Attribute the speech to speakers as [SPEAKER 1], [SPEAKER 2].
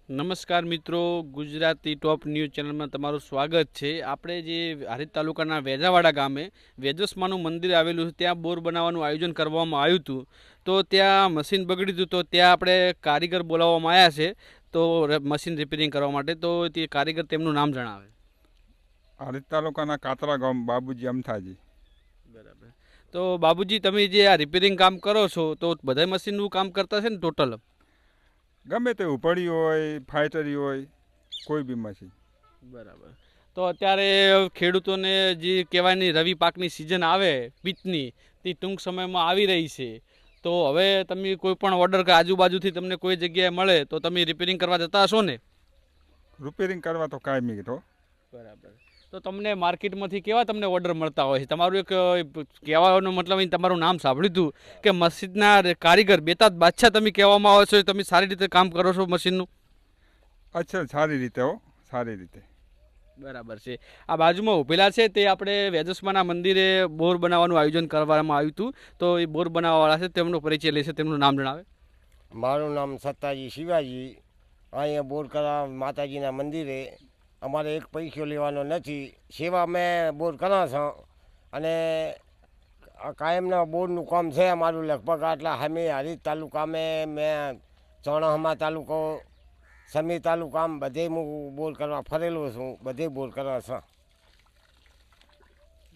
[SPEAKER 1] નમસ્કાર મિત્રો, ગુજરાતી ટોપ ન્યૂઝ ચેનલમાં તમારું સ્વાગત છે. આપણે જે હારીજ તાલુકાના વેજાવાડા ગામે વેજસમાનું મંદિર આવેલું છે, ત્યાં બોર બનાવવાનું આયોજન કરવામાં આવ્યું હતું. તો ત્યાં મશીન બગડ્યું હતું, તો ત્યાં આપણે કારીગર બોલાવવામાં આવ્યા છે તો મશીન રિપેરિંગ કરવા માટે. તો તે કારીગર તેમનું નામ જણાવે.
[SPEAKER 2] હારીજ તાલુકાના કાતરા ગામ બાબુજી અમથાજી.
[SPEAKER 1] બરાબર. તો બાબુજી, તમે જે આ રિપેરિંગ કામ કરો છો તો બધા મશીનનું કામ કરતા છે ને ટોટલ?
[SPEAKER 2] ગમે તે ઉપડી હોય, ફાઇટરી હોય, કોઈ બી મશીન.
[SPEAKER 1] બરાબર. તો અત્યારે ખેડૂતોને જે કહેવાની રવિ પાકની સિઝન આવે પિત્તની, તે ટૂંક સમયમાં આવી રહી છે. તો હવે તમે કોઈ પણ ઓર્ડર કે આજુબાજુથી તમને કોઈ જગ્યાએ મળે તો તમે રિપેરિંગ કરવા જતા હશો ને?
[SPEAKER 2] રિપેરિંગ કરવા તો કાયમી તો.
[SPEAKER 1] બરાબર. તો તમને માર્કેટમાંથી કેવા તમને ઓર્ડર મળતા હોય છે? તમારું એક કહેવાનો મતલબ અહીં તમારું નામ સાંભળ્યું હતું કે મસ્જિદના કારીગર બેતાજ બાદશાહ તમે કહેવામાં આવો છો, તમે સારી રીતે કામ કરો છો મશીનનું.
[SPEAKER 2] અચ્છા, સારી રીતે હો, સારી રીતે.
[SPEAKER 1] બરાબર છે. આ બાજુમાં ઉભેલા છે તે આપણે વેજસમાના મંદિરે બોર બનાવવાનું આયોજન કરવામાં આવ્યું હતું. તો એ બોર બનાવવાવાળા છે, તેમનો પરિચય લેશે, તેમનું નામ જણાવે.
[SPEAKER 3] મારું નામ સત્તાજી શિવાજી. અહીંયા બોર કરવા માતાજીના મંદિરે અમારે એક પૈસો લેવાનો નથી. સેવા અમે બોર કરવા છો અને કાયમના બોરનું કામ છે અમારું. લગભગ આટલા અમે હારીજ તાલુકામાં મેં ચોણાહમા તાલુકો, સમી તાલુકામાં બધે હું બોર કરવા ફરેલો છું, બધે બોર કરવા છું.